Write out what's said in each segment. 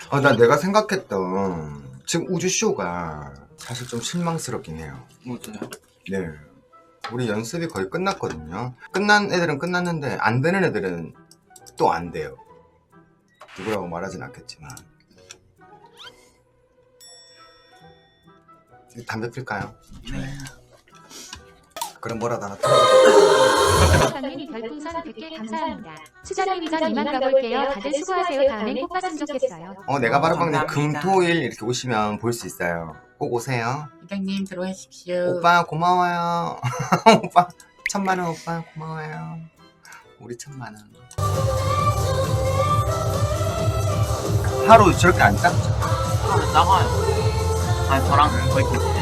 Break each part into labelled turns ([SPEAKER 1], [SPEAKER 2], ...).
[SPEAKER 1] 나 내가 생각했던 지금 우주쇼가 사실 좀 실망스럽긴 해요.
[SPEAKER 2] 뭐죠?
[SPEAKER 1] 네. 우리 연습이 거의 끝났거든요. 끝난 애들은 끝났는데 안 되는 애들은 또 안 돼요. 누구라고 말하진 않겠지만. 담배 필까요?
[SPEAKER 2] 네.
[SPEAKER 1] 그럼 뭐라도 하나 틀어볼게요.
[SPEAKER 3] 선생님이 별풍선 100개 감사합니다. 수자님이 전 이만 가볼게요. 다들 수고하세요. 다음엔 꼭 봤으면 좋겠어요.
[SPEAKER 1] 내가 바로 빵님
[SPEAKER 2] 감사합니다.
[SPEAKER 1] 금토일 이렇게 오시면 볼 수 있어요. 꼭 오세요.
[SPEAKER 2] 회장님 들어오십시오.
[SPEAKER 1] 오빠 고마워요. 오빠 1000만원 오빠 고마워요. 우리 1000만원. 하루 저렇게 안 작죠?
[SPEAKER 2] 나가요. 아니 저랑 거의 비슷해.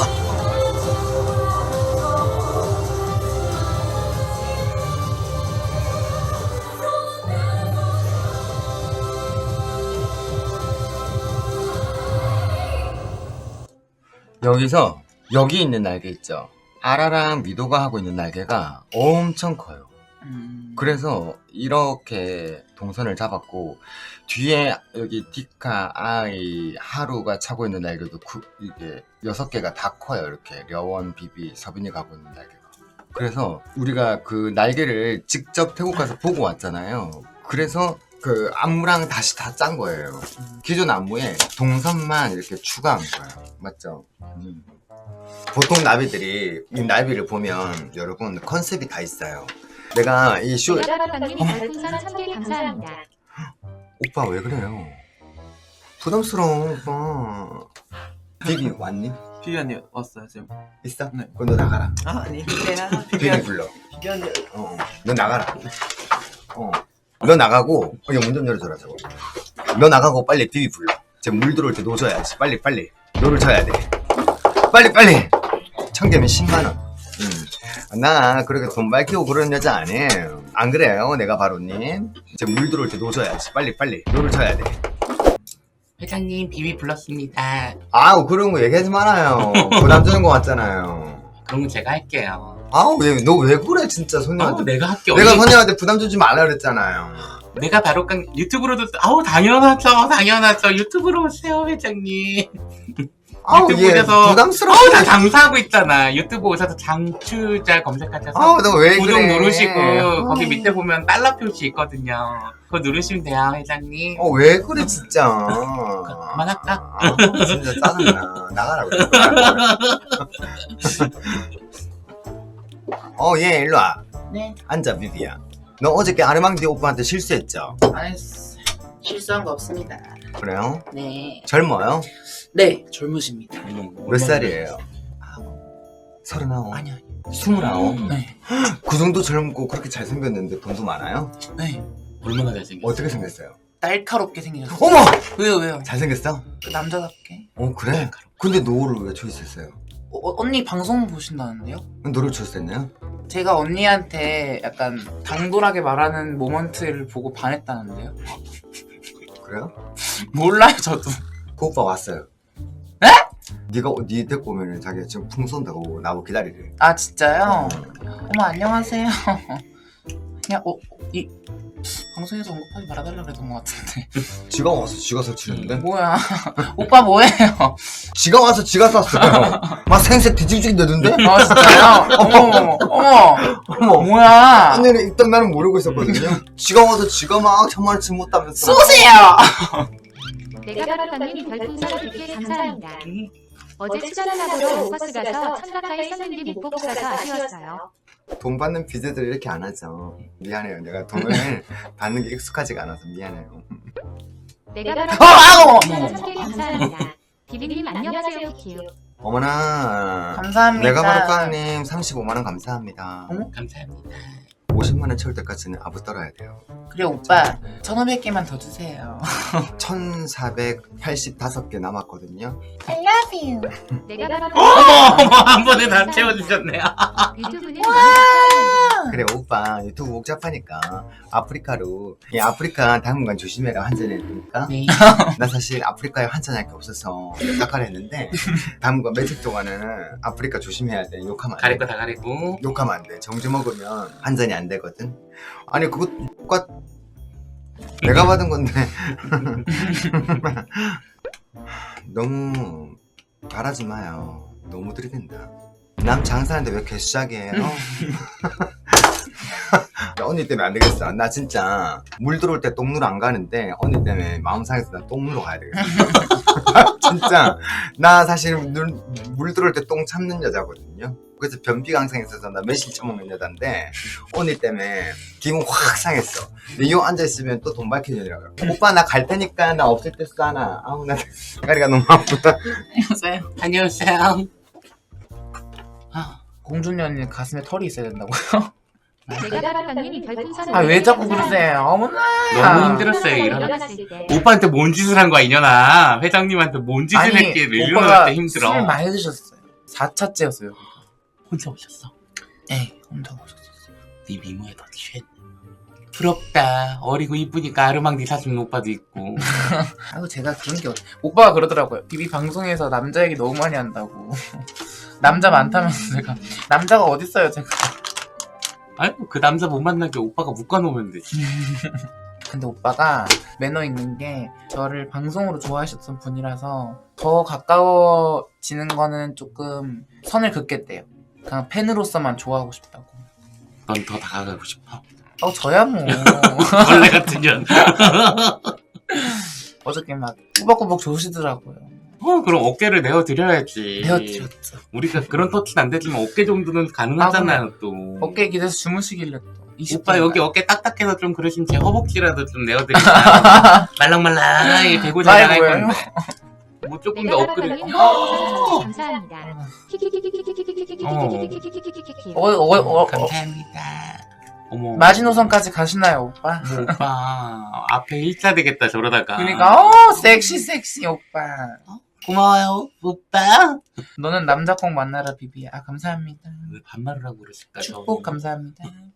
[SPEAKER 1] 여기서 여기 있는 날개 있죠? 아라랑 미도가 하고 있는 날개가 엄청 커요. 그래서 이렇게 동선을 잡았고 뒤에 여기 디카, 아이, 하루가 차고 있는 날개도 이게 6개가 다 커요. 이렇게 려원, 비비, 서빈이 가고 있는 날개가. 그래서 우리가 그 날개를 직접 태국 가서 보고 왔잖아요. 그래서 그 안무랑 다시 다 짠 거예요. 기존 안무에 동선만 이렇게 추가한 거예요. 맞죠? 보통 나비들이 이 나비를 보면 여러분 컨셉이 다 있어요. 내가 이 쇼
[SPEAKER 3] 내가바방님이 별풍선 1000개 감사합니다.
[SPEAKER 1] 오빠 왜 그래요? 부담스러워 오빠. 비비 왔니?
[SPEAKER 2] 비비언니 왔어요 지금.
[SPEAKER 1] 있어?
[SPEAKER 2] 네.
[SPEAKER 1] 그럼 너 나가라.
[SPEAKER 2] 아니
[SPEAKER 1] 비비 불러.
[SPEAKER 2] 비비언니.
[SPEAKER 1] 너 나가라. 너 나가고 문 좀 열어줘라 저거. 너 나가고 빨리 비비 불러. 쟤 물 들어올 때 노져야지. 빨리 노를 쳐야 돼. 빨리 1000개면 10만원. 나 그렇게 돈 밝히고 그런 여자 아니에요. 안 그래요 내가 바로님? 쟤 물 들어올 때 노져야지. 빨리 노를 쳐야 돼.
[SPEAKER 2] 회장님 비비 불렀습니다.
[SPEAKER 1] 아우 그런 거 얘기하지 말아요. 부담 주는 거 같잖아요.
[SPEAKER 2] 그럼 제가 할게요.
[SPEAKER 1] 아우 너 왜 그래 진짜 소녀한테.
[SPEAKER 2] 내가 할게.
[SPEAKER 1] 내가 소녀한테 부담 주지 말라 그랬잖아요.
[SPEAKER 2] 내가 바로 유튜브로도 당연하죠. 유튜브로 오세요 회장님.
[SPEAKER 1] 아우
[SPEAKER 2] 유튜브
[SPEAKER 1] 얘
[SPEAKER 2] 오셔서
[SPEAKER 1] 부담스러워.
[SPEAKER 2] 나 장사하고 있잖아. 유튜브 오셔서 장추자 검색하셔서
[SPEAKER 1] 아우 너 왜
[SPEAKER 2] 구독
[SPEAKER 1] 그래.
[SPEAKER 2] 누르시고 거기 밑에 보면 달러 표시 있거든요. 그거 누르시면 돼요 회장님.
[SPEAKER 1] 왜 그래 진짜.
[SPEAKER 2] 그만할까?
[SPEAKER 1] 진짜 짜증나. 나가라 그래. 얘 일로 와.
[SPEAKER 2] 네.
[SPEAKER 1] 앉아 비비야. 너 어저께 아르망디 오빠한테 실수했죠?
[SPEAKER 2] 아니 실수한 거 없습니다.
[SPEAKER 1] 그래요?
[SPEAKER 2] 네.
[SPEAKER 1] 젊어요?
[SPEAKER 2] 네 젊으십니다.
[SPEAKER 1] 몇 살이에요? 39?
[SPEAKER 2] 아니요.
[SPEAKER 1] 29?
[SPEAKER 2] 네.
[SPEAKER 1] 그 정도 젊고 그렇게 잘생겼는데 돈도 많아요?
[SPEAKER 2] 네. 얼마나 잘생겼어요?
[SPEAKER 1] 어떻게 생겼어요?
[SPEAKER 2] 날카롭게 생겼어요.
[SPEAKER 1] 어머!
[SPEAKER 2] 왜요?
[SPEAKER 1] 잘생겼어?
[SPEAKER 2] 남자답게.
[SPEAKER 1] 그래? 근데 너를 왜 초이스했어요?
[SPEAKER 2] 언니 방송 보신다는데요?
[SPEAKER 1] 너를 초이스했나요?
[SPEAKER 2] 제가 언니한테 약간 당돌하게 말하는 모먼트를 보고 반했다는데요?
[SPEAKER 1] 그래요?
[SPEAKER 2] 몰라요 저도.
[SPEAKER 1] 그 오빠 왔어요.
[SPEAKER 2] 네?
[SPEAKER 1] 네가 네 데리고 오면 자기가 지금 풍 쏜다고 나보고 기다리래.
[SPEAKER 2] 아 진짜요? 어머 안녕하세요. 그냥 이 방송에서 언급하지 말아달라 그랬던 것 같은데.
[SPEAKER 1] 지가 와서 지가 설치는데?
[SPEAKER 2] 뭐야? 오빠 뭐해요?
[SPEAKER 1] 지가 와서 지가 쐈어요. 막 생색 뒤집지게 내던데?
[SPEAKER 2] 아 진짜요? 어머 뭐야?
[SPEAKER 1] 아니 일단 나는 모르고 있었거든요. 지가 와서 지가 막 천만원치 못하면서
[SPEAKER 2] 쏘세요!
[SPEAKER 3] 내가바방님이 별풍선 100개 감사합니다. 어제 수자님하고 오버스 가서 1000 가까이 썼는데 못 보고 가서 아쉬웠어요.
[SPEAKER 1] 돈 받는 비즈들 이렇게 안 하죠. 미안해요. 내가 돈을 받는 게 익숙하지가 않아서 미안해요.
[SPEAKER 3] 내가바방님이 1000개 감사합니다. 비비님 안녕하세요 키키우.
[SPEAKER 1] 어머나.
[SPEAKER 2] 감사합니다.
[SPEAKER 1] 내가 바로 깡님 35만원 감사합니다.
[SPEAKER 2] 감사합니다.
[SPEAKER 1] 50만원 채울 때까지는 아부 떨어야 돼요.
[SPEAKER 2] 그래 오빠 1500개만 더 주세요.
[SPEAKER 1] 1485개 남았거든요.
[SPEAKER 2] I love you.
[SPEAKER 3] 내가바방님
[SPEAKER 2] 한 번에 다 채워주셨네요.
[SPEAKER 3] 유튜브는
[SPEAKER 1] 그래 오빠 유튜브 복잡하니까 아프리카로 아프리카 당분간 조심해라 환전해야 되니까.
[SPEAKER 2] 네.
[SPEAKER 1] 나 사실 아프리카에 환전할 게 없어서 깜깜 했는데 당분간 며칠 동안은 아프리카 조심해야 돼. 욕하면 안 돼.
[SPEAKER 2] 가릴 거 다 가리고.
[SPEAKER 1] 욕하면 안 돼. 정지 먹으면 환전이 안 되거든. 아니 그것과 내가 받은 건데. 너무 바라지 마요. 너무 들이댄다. 남 장사하는데 왜 개수작이에요? 언니 때문에 안 되겠어. 나 진짜 물 들어올 때 똥누러 안 가는데 언니 때문에 마음 상해서 난 똥누러 가야 되겠어. 진짜 나 사실 물 들어올 때 똥 참는 여자거든요. 그래서 변비 강성이 있어서 나 매실 처먹는 여잔데 언니 때문에 기분 확 상했어. 근데 이 앉아있으면 또 돈 밝힌 년이라고. 오빠 나 갈 테니까 나 없을 때 싸나. 아우 나 다리가 너무 아프다.
[SPEAKER 2] 안녕하세요.
[SPEAKER 4] 안녕하세요.
[SPEAKER 2] 공주년이 가슴에 털이 있어야 된다고요?
[SPEAKER 3] 메가바방님 별풍선.
[SPEAKER 2] 아 왜 자꾸 그러세요? 어머나.
[SPEAKER 4] 너무 힘들었어요, 일어났을 때. 오빠한테 뭔 짓을 한 거야, 이년아. 회장님한테 뭔 짓을 했기에 일어날 때 힘들어.
[SPEAKER 2] 술 많이 드셨어요. 4차째였어요.
[SPEAKER 4] 혼자 오셨어.
[SPEAKER 2] 네, 혼자 오셨었어요.
[SPEAKER 4] 네 미모에도 쉣. 부럽다. 어리고 이쁘니까 아르망디 사주는 오빠도 있고.
[SPEAKER 2] 아이고 제가 그런 게 오빠가 그러더라고요. 비비 방송에서 남자 얘기 너무 많이 한다고. 남자 많다면서 제가 남자가 어딨어요 제가.
[SPEAKER 4] 아이고 그 남자 못 만나게 오빠가 묶어놓으면 되지.
[SPEAKER 2] 근데 오빠가 매너 있는 게 저를 방송으로 좋아하셨던 분이라서 더 가까워지는 거는 조금 선을 긋겠대요. 그냥 팬으로서만 좋아하고 싶다고.
[SPEAKER 4] 넌 더 다가가고 싶어.
[SPEAKER 2] 저야 뭐.
[SPEAKER 4] 원래 같은 년.
[SPEAKER 2] 어저께 막 꾸벅꾸벅 조시더라고요.
[SPEAKER 4] 그럼 어깨를 내어드려야지.
[SPEAKER 2] 내어드렸죠.
[SPEAKER 4] 우리가 그런 터치는 안 되지만 어깨 정도는 가능하잖아요, 또.
[SPEAKER 2] 어깨에 기대서 주무시길래 또.
[SPEAKER 4] 오빠 여기 어깨 딱딱해서 좀 그러시면 제 허벅지라도 좀 내어드리면 말랑말랑하게 대고 잘 나갈
[SPEAKER 2] 라이브예요?
[SPEAKER 4] 건데. 뭐 조금 더 업그레이드.
[SPEAKER 3] 메가바방님 감사합니다.
[SPEAKER 4] 감사합니다. 어머.
[SPEAKER 2] 마지노선까지 가시나요 오빠?
[SPEAKER 4] 뭐 오빠 앞에 일자 되겠다 저러다가.
[SPEAKER 2] 그러니까 섹시 오빠.
[SPEAKER 4] 고마워요 오빠.
[SPEAKER 2] 너는 남자 꼭 만나라 비비야. 감사합니다.
[SPEAKER 4] 왜 반말을 하고 그러실까?
[SPEAKER 2] 축복 감사합니다.